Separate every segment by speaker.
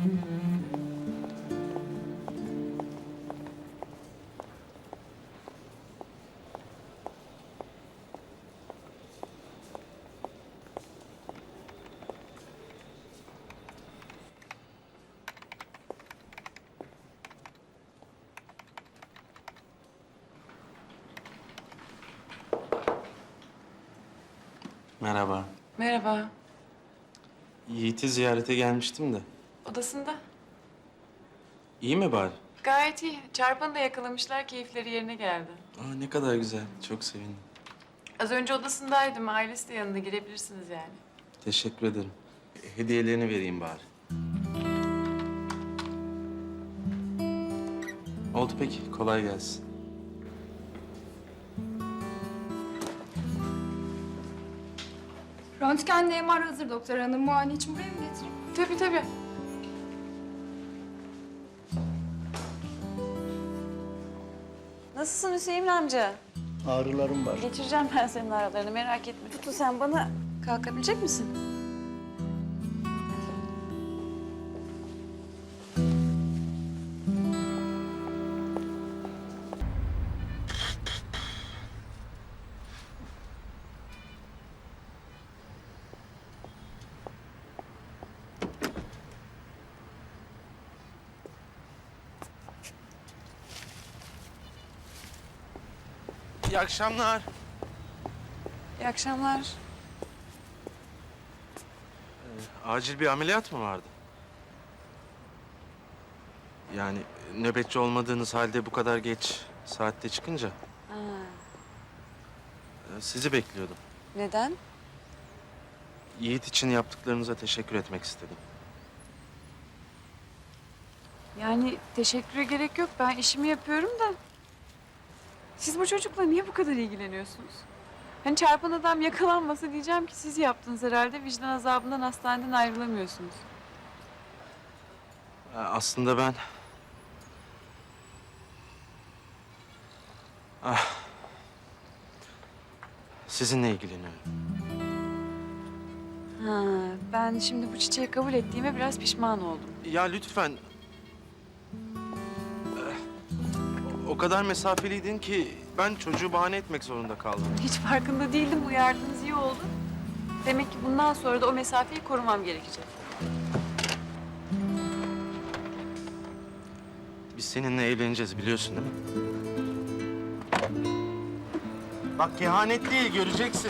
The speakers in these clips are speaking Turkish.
Speaker 1: Merhaba.
Speaker 2: Merhaba.
Speaker 1: Yiğit'i ziyarete gelmiştim de.
Speaker 2: Odasında.
Speaker 1: İyi mi bari?
Speaker 2: Gayet iyi. Çarpanı da yakalamışlar, keyifleri yerine geldi.
Speaker 1: Aa, ne kadar güzel. Çok sevindim.
Speaker 2: Az önce odasındaydım, ailesi de yanında, girebilirsiniz yani.
Speaker 1: Teşekkür ederim. Hediyelerini vereyim bari. Oldu peki. Kolay gelsin.
Speaker 3: Röntgenle MR hazır doktor hanım. Muayene için buraya mı getireyim?
Speaker 2: Tabii tabii.
Speaker 4: Nasılsın Hüseyin amca?
Speaker 5: Ağrılarım var.
Speaker 4: Geçireceğim ben senin ağrılarını, merak etme. Tutu sen bana kalkabilecek misin?
Speaker 1: İyi akşamlar.
Speaker 4: İyi akşamlar.
Speaker 1: Acil bir ameliyat mı vardı? Yani nöbetçi olmadığınız halde bu kadar geç saatte çıkınca
Speaker 4: Ha,
Speaker 1: sizi bekliyordum.
Speaker 4: neden?
Speaker 1: Yiğit için yaptıklarınıza teşekkür etmek istedim.
Speaker 4: Yani teşekküre gerek yok. Ben işimi yapıyorum da. Siz bu çocukla niye bu kadar ilgileniyorsunuz? Hani çarpan adam yakalanmasa diyeceğim ki siz yaptınız herhalde. Vicdan azabından hastaneden ayrılamıyorsunuz.
Speaker 1: Aslında ben... Sizinle ilgileniyorum.
Speaker 4: Ha, ben şimdi bu çiçeği kabul ettiğime biraz pişman oldum.
Speaker 1: Ya lütfen... O kadar mesafeliydin ki ben çocuğu bahane etmek zorunda kaldım.
Speaker 4: Hiç farkında değildim. Uyardınız, iyi oldu. Demek ki bundan sonra da o mesafeyi korumam gerekecek.
Speaker 1: Biz seninle evleneceğiz biliyorsun değil mi? Bak kehanet değil, göreceksin.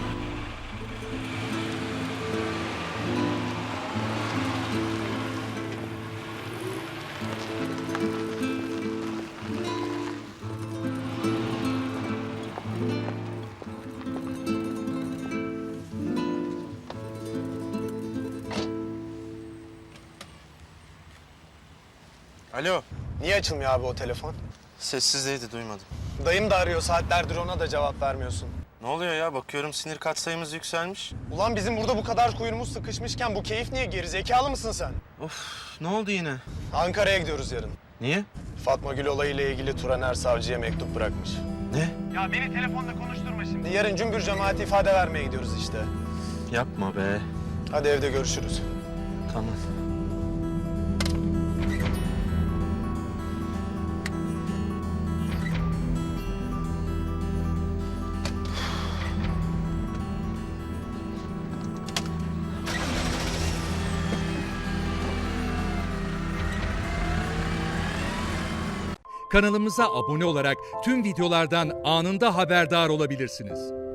Speaker 1: Alo.
Speaker 5: Niye açılmıyor abi o telefon?
Speaker 1: Sessizdeydi, duymadım.
Speaker 5: Dayım da arıyor saatlerdir, ona da cevap vermiyorsun.
Speaker 1: Ne oluyor ya? Bakıyorum sinir katsayımız yükselmiş.
Speaker 5: Ulan bizim burada bu kadar kuyruğumuz sıkışmışken bu keyif niye, geri zekalı mısın sen?
Speaker 1: Of, ne oldu yine?
Speaker 5: Ankara'ya gidiyoruz yarın.
Speaker 1: Niye?
Speaker 5: Fatma Gül olayıyla ilgili Turaner savcıya mektup bırakmış.
Speaker 1: Ne?
Speaker 5: Ya beni telefonda konuşturma şimdi. Yarın cümbür cemaati ifade vermeye gidiyoruz işte.
Speaker 1: Yapma be.
Speaker 5: Hadi evde görüşürüz.
Speaker 1: Tamam.
Speaker 6: Kanalımıza abone olarak tüm videolardan anında haberdar olabilirsiniz.